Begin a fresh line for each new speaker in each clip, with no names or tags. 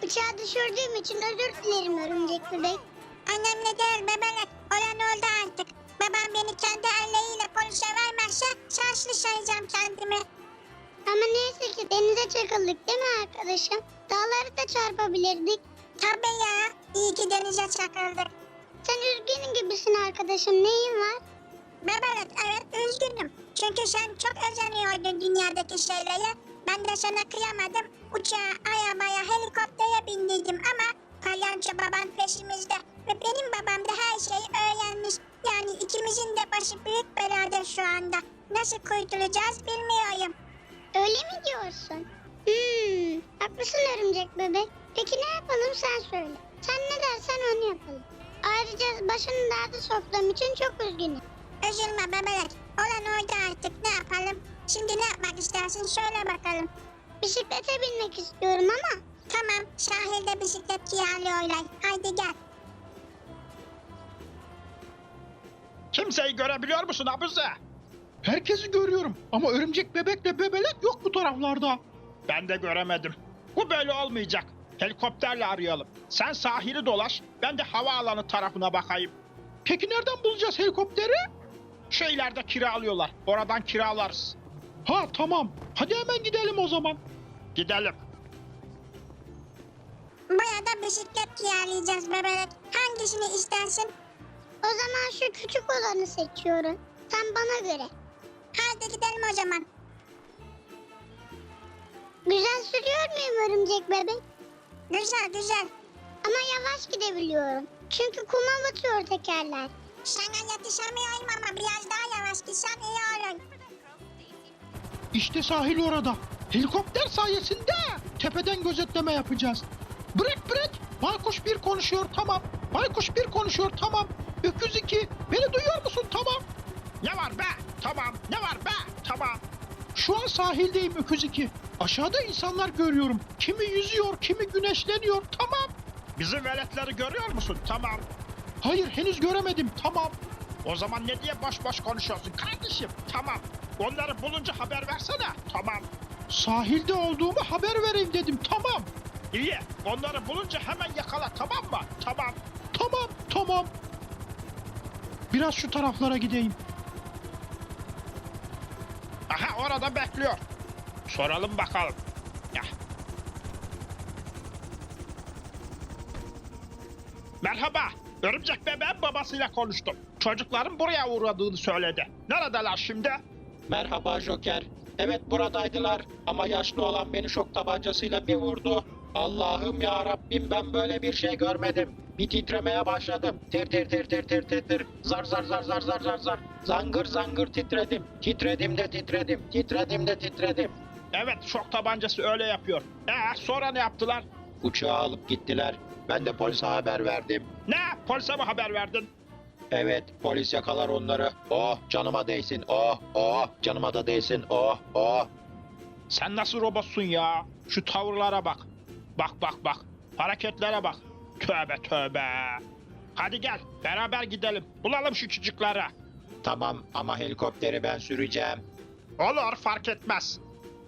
Bıçağı düşürdüğüm için özür dilerim örümcek bebek. Önemli değil bebelek. Olan oldu artık. Babam beni kendi elleriyle polise vermezse şanslı sayacağım kendimi. Ama neyse ki denize çakıldık değil mi arkadaşım? Dağları da çarpabilirdik. Tabii ya. İyi ki denize çakıldık. Sen üzgün gibisin arkadaşım. Neyin var? Bebelek evet üzgünüm. Çünkü sen çok özeniyordun dünyadaki şeylere. Ben de sana kıyamadım. Uçağa, arabaya, helikoptere bindirdim ama Palyaço baban peşimizde. Ve benim babam da her şeyi öğrenmiş. Yani ikimizin de başı büyük belada şu anda. Nasıl kurtulacağız bilmiyorum. Öyle mi diyorsun? Haklısın örümcek bebek. Peki ne yapalım sen söyle. Sen ne dersen onu yapalım. Ayrıca başını dağda soktuğum için çok üzgünüm. Üzülme bebek. Olan oydu artık ne yapalım? Şimdi ne yapmak istersin söyle bakalım. Bisiklete binmek istiyorum ama. Tamam sahilde bisiklet kiralıyorlar. Haydi gel.
Kimseyi görebiliyor musun Abuze?
Herkesi görüyorum ama örümcek bebekle bebelek yok bu taraflarda.
Ben de göremedim. Bu böyle olmayacak. Helikopterle arayalım. Sen sahili dolaş, ben de havaalanı tarafına bakayım.
Peki nereden bulacağız helikopteri?
Şu ileride kiralıyorlar. Oradan kiralarız.
Ha tamam. Hadi hemen gidelim o zaman.
Gidelim.
Burada bisiklet kiralayacağız bebek. Hangisini istersin? O zaman şu küçük olanı seçiyorum. Sen bana göre. Hadi gidelim o zaman. Güzel sürüyor muyum örümcek bebek? Güzel güzel. Ama yavaş gidebiliyorum. Çünkü kuma batıyor tekerler. Sana yetişemiyorum ama biraz daha yavaş gitsen iyi olur.
İşte sahil orada. Helikopter sayesinde tepeden gözetleme yapacağız. Bırak. Baykuş bir konuşuyor tamam. Baykuş bir konuşuyor tamam. Öküz 2 beni duyuyor musun tamam.
Ne var be? Tamam. Ne var be? Tamam.
Şu an sahildeyim Öküz 2. Aşağıda insanlar görüyorum. Kimi yüzüyor kimi güneşleniyor tamam.
Bizim veletleri görüyor musun? Tamam.
Hayır henüz göremedim tamam.
O zaman ne diye boş boş konuşuyorsun kardeşim? Tamam. Onları bulunca haber versene. Tamam.
Sahilde olduğumu haber vereyim dedim tamam.
İyi. Onları bulunca hemen yakala tamam mı? Tamam.
Tamam. Biraz şu taraflara gideyim.
Aha orada bekliyor. Soralım bakalım. Ya. Merhaba. Örümcek bebeğin babasıyla konuştum. Çocukların buraya uğradığını söyledi. Neredeler şimdi?
Merhaba Joker. Evet buradaydılar ama yaşlı olan beni şok tabancasıyla bir vurdu. Allah'ım ya Rabbim ben böyle bir şey görmedim. Bir titremeye başladım. Tir tir tir tir tir tir tir. Zar zar zar zar zar zar zar. Zangır zangır titredim. Titredim de titredim. Titredim de titredim.
Evet şok tabancası öyle yapıyor. Sonra ne yaptılar?
Uçağı alıp gittiler. Ben de polise haber verdim.
Ne? Polise mi haber verdin?
Evet polis yakalar onları. Oh canıma değsin. Oh canıma da değsin. Oh.
Sen nasıl robotsun ya? Şu tavırlara bak. Bak. Hareketlere bak. Tövbe. Hadi gel beraber gidelim. Bulalım şu çocukları.
Tamam ama helikopteri ben süreceğim.
Olur fark etmez.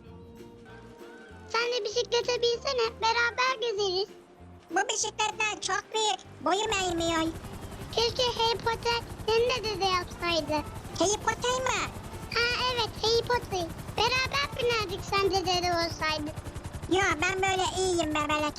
Sen de bisiklete binsene. Beraber gezeriz. Bu bisikletler çok büyük. Boyum eğmiyor. Keşke Harry Potter senin de dede yapsaydı. Harry Potter mi? Ha evet Harry Potter. Beraber binerdik sen de dede olsaydı. Ya ben böyle iyiyim bebelek.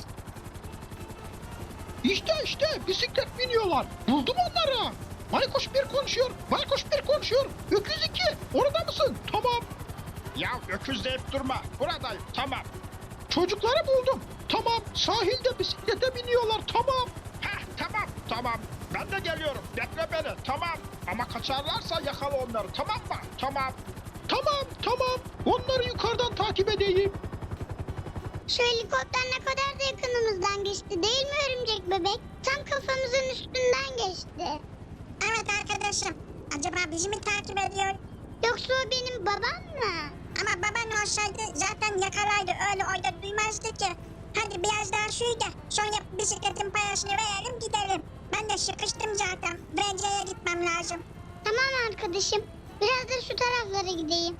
İşte bisiklet biniyorlar. Buldum onları. Baykuş bir konuşuyor. Öküz 2 orada mısın? Tamam.
Ya öküz deyip durma. Buradayım tamam.
Çocukları buldum. Tamam. Sahilde bisiklete biniyorlar. Tamam.
Tamam. Ben de geliyorum. Bekle beni. Tamam. Ama kaçarlarsa yakala onları. Tamam mı? Tamam.
Tamam. Onları yukarıdan takip edeyim.
Şu helikopter ne kadar da yakınımızdan geçti değil mi örümcek bebek? Tam kafamızın üstünden geçti. Evet arkadaşım. Acaba bizi mi takip ediyor? Yoksa o benim babam mı? Ama baban olsaydı zaten yakalaydı. Öyle orada duymazdı ki. Hadi biraz daha suyu da sonra bisikletin parasını verelim gidelim. Ben de sıkıştım zaten. Brenceye gitmem lazım. Tamam arkadaşım. Biraz da şu taraflara gideyim.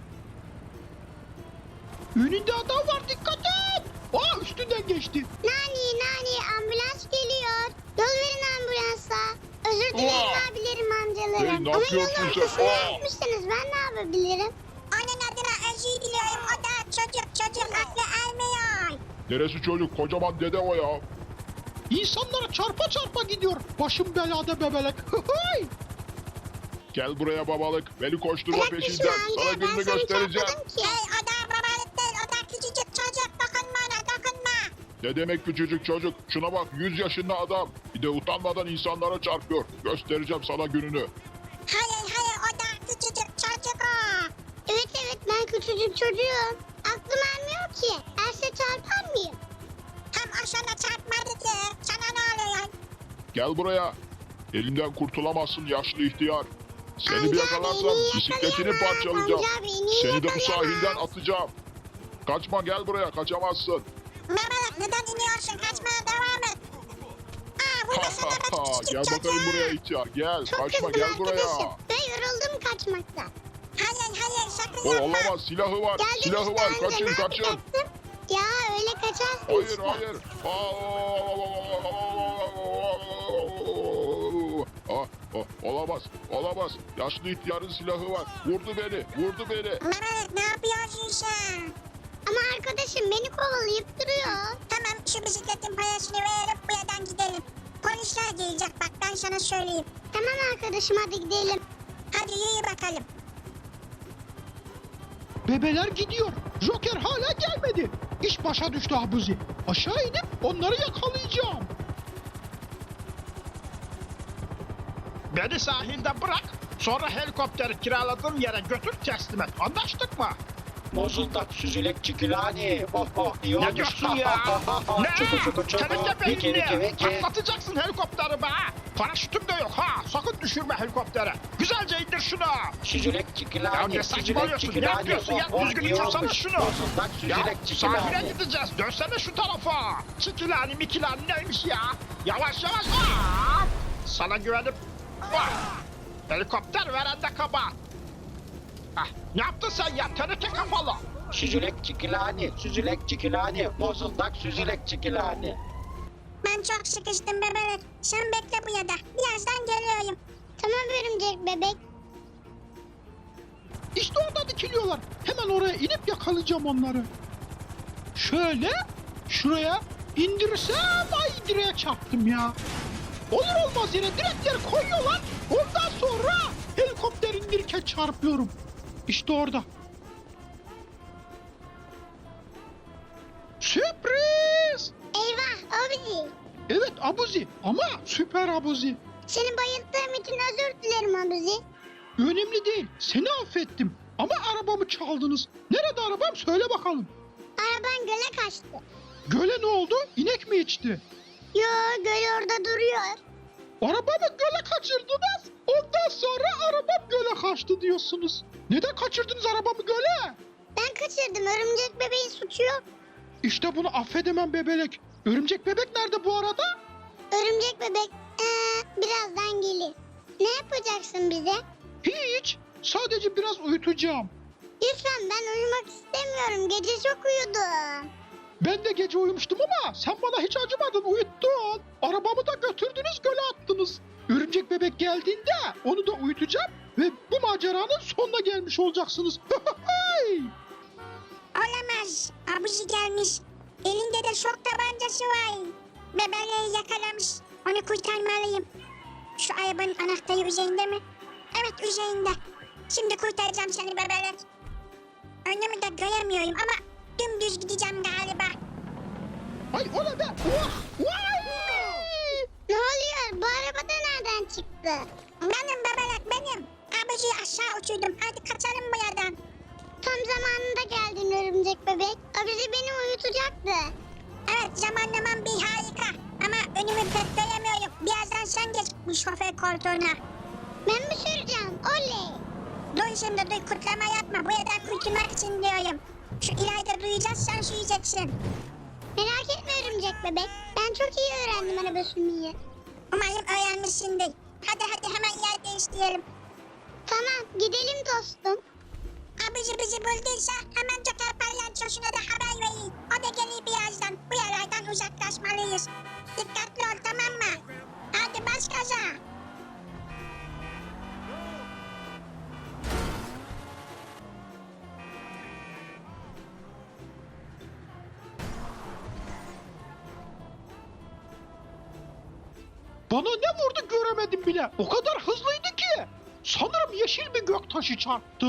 Önünde adam var dikkat et. Üstünden geçti.
Nani
ne
Ama
yapıyorsun
yolun
sen?
ortasına
Aa!
yapmışsınız. Ben ne yapabilirim? Onun adına özür diliyorum. O da çocuk aklı ermiyor.
Neresi çocuk? Kocaman dede o ya.
İnsanlara çarpa çarpa gidiyor. Başım belada bebelek. Hıhıy!
Gel buraya babalık. Beni koşturma
Bırak
peşinden.
düşme
Sana
amca. Ben
gününü
seni
göstereceğim.
çarpmadım ki. Hey o da babalık değil. O da küçücük çocuk. Dokunma ona dokunma.
Ne demek küçücük çocuk? Şuna bak 100 yaşında adam. Bir de utanmadan insanlara çarpıyor. Göstereceğim sana gününü.
Hayır o da küçücük çocuk o. Evet ben küçücük çocuğum. Aklım ermiyor ki. Erse çarpar mıyım? Hem o sana çarpmadı ki. Sana ne oluyor?
Gel buraya. Elimden kurtulamazsın yaşlı ihtiyar. Seni bir
Amca
yakalarsam
beni
bisikletini
yakalayamaz.
parçalayacağım.
Amca beni
Seni de bu
yakalayamaz.
sahilden atacağım. Kaçma gel buraya kaçamazsın.
Babalık neden iniyorsun? Kaçmaya devam et. Aa burada sana da küçücük
Gel
çocuğum.
bakayım buraya ihtiyar. Gel
Çok
kaçma
kızdım
gel buraya.
arkadaşım. Ben yoruldum kaçmaktan. Hayır sakın
O
yapma.
olamaz silahı var.
Geldim
Silahı
işte
var.
amca,
Kaçın
ne
kaçın.
yapacaksın? Ya öyle kaçarsın
Hayır
işte.
hayır. Olamaz. Yaşlı ihtiyarın silahı var. Vurdu beni.
Babalık ne yapıyorsun sen? Ama arkadaşım beni kovalayıp duruyor. Tamam şu bisikletin parasını verip bu yerden gidelim. Polisler gelecek bak ben sana söyleyeyim. Tamam arkadaşım hadi gidelim. Hadi yürü bakalım.
Bebeler gidiyor. Joker hala gelmedi. İş başa düştü Abuzi. Aşağı inip onları yakalayacağım.
Beni sahilde bırak. Sonra helikopteri kiraladığım yere götür teslim et. Anlaştık mı?
Bozuldak süzülek çikilani. İyi olmuş.
Ne diyorsun ya? Ne?
Çuku.
Teneke
Viki
beynini.
viki.
Patlatacaksın helikopteri be. Paraşütüm de yok ha. Sakın düşürme helikoptere. Güzelce indir şunu.
Süzülek
Ya
çikilani.
ne saçmalıyorsun? Ne yapıyorsun ya? Düzgün uçursana şunu.
Bozuldak
Ya
süzülek
sahile
çikilani.
gideceğiz. Dönsene şu tarafa. Çikilani mikilani neymiş ya? Yavaş. Aa! Sana güvenip... Ah! Helikopter verende kaba. Ah, ne yaptın sen ya? Teneke kafalı.
Süzülek çikilani. Bozuldak süzülek çikilani.
Ben çok sıkıştım bebek. Sen bekle bu yada. Birazdan geliyorum. Tamam örümcek bebek.
İşte orada dikiliyorlar. Hemen oraya inip yakalayacağım onları. Şöyle şuraya indirirsem ay direğe çarptım ya. Olur olmaz yere direkleri koyuyorlar. Ondan sonra helikopter indirirken çarpıyorum. İşte orada. Sürpriz!
Eyvah Abuzi.
Evet Abuzi ama süper Abuzi.
Seni bayılttığım için özür dilerim Abuzi.
Önemli değil. Seni affettim. Ama arabamı çaldınız. Nerede arabam söyle bakalım.
Araban göle kaçtı.
Göle ne oldu? İnek mi içti?
Yo göl orada duruyor.
Arabamı göle kaçırdınız. Ondan sonra arabam göle kaçtı diyorsunuz. Neden kaçırdınız arabamı göle?
Ben kaçırdım örümcek bebeğin suçu yok.
İşte bunu affedemem bebelek. Örümcek bebek nerede bu arada?
Örümcek bebek birazdan gelir. Ne yapacaksın bize?
Hiç. Sadece biraz uyutacağım.
Lütfen ben uyumak istemiyorum. Gece çok uyudum.
Ben de gece uyumuştum ama sen bana hiç acımadın, uyuttun. Arabamı da götürdünüz, göle attınız. Örümcek bebek geldiğinde onu da uyutacağım ve bu maceranın sonuna gelmiş olacaksınız.
Olamaz. Abuzi gelmiş. Elinde de şok tabancası var. Bebeği yakalamış. Onu kurtarmalıyım. Şu arabanın anahtarı üzerinde mi? Evet üzerinde. Şimdi kurtaracağım seni bebelek. Önümü de göremiyorum ama dümdüz gideceğim galiba.
Ay o ne be? Vah! Vay!
Ne oluyor? Bu araba da nereden çıktı? Benim bebelek benim. Abuzi'yi aşağı uçurdum. Hadi kaçalım bu yerden. Tam zamanında geldin örümcek bebek. Abuzi beni uyutacaktı. Evet zamanlamam bir harika. Ama önümü pek göremiyorum. Birazdan sen geç bu şoför koltuğuna. Ben mi süreceğim? Oley. Dur şimdi dur kutlama yapma. Bu yerden kurtulmak için diyorum. Şu ileride duyacağız sen süreceksin. Merak etme örümcek bebek. Ben çok iyi öğrendim araba sürmeyi. Umarım öğrenmişsindir. Hadi hemen yer değiştirelim. Tamam gidelim dostum. Abici bizi bulduysa hemen Joker palyaçosuna da haber verin. O da gelir birazdan. Bu yerlerden uzaklaşmalıyız. Dikkatli ol tamam mı? Hadi bas gaza.
Bana ne vurdu göremedim bile. O kadar hızlıydı ki. Sanırım yeşil bir göktaşı çarptı.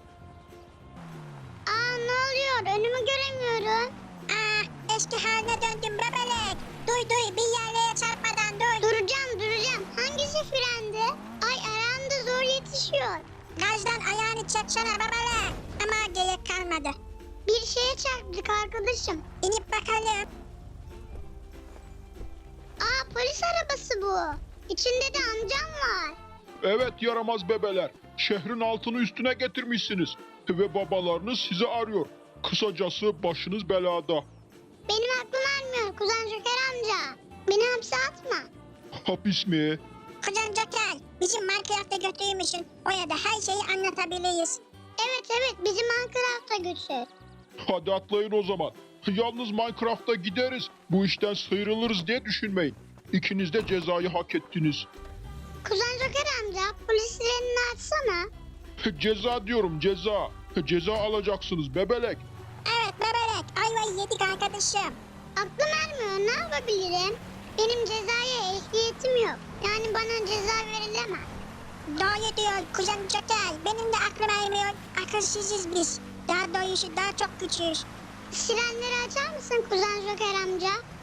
Aa ne oluyor? Önümü göremiyorum. Eski haline döndüm bebelek. Duy bir yerlere çarpmadan duy. Duracağım. Hangisi frendi? Ay ayağım da zor yetişiyor. Gazdan ayağını çeksene bebelek. Ama gerek kalmadı. Bir şeye çarptık arkadaşım. İnip bakalım. Aa polis arabası bu. İçinde de amcam var.
Evet yaramaz bebeler. Şehrin altını üstüne getirmişsiniz. Ve babalarınız sizi arıyor. Kısacası başınız belada.
Benim aklım ermiyor Kuzen Joker amca. Beni hapse atma.
Hapis mi?
Kuzen Joker, bizim Minecraft'a götürmüşsün. Oraya da her şeyi anlatabiliriz. Evet, bizi Minecraft'a götür.
Hadi atlayın o zaman. Yalnız Minecraft'a gideriz. Bu işten sıyrılırız diye düşünmeyin. İkiniz de cezayı hak ettiniz.
Kuzen Joker amca, polis sirenini açsana.
Ceza diyorum ceza. Ceza alacaksınız bebelek.
Evet bebelek, ayvayı yedik arkadaşım. Aklım ermiyor, ne yapabilirim? Benim cezaya ehliyetim yok. Yani bana ceza verilemez. Doğru diyor Kuzen Joker. Benim de aklım ermiyor. Akılsızız biz. Daha doğrusu daha çok küçüğüz. Sirenleri açar mısın Kuzen Joker amca?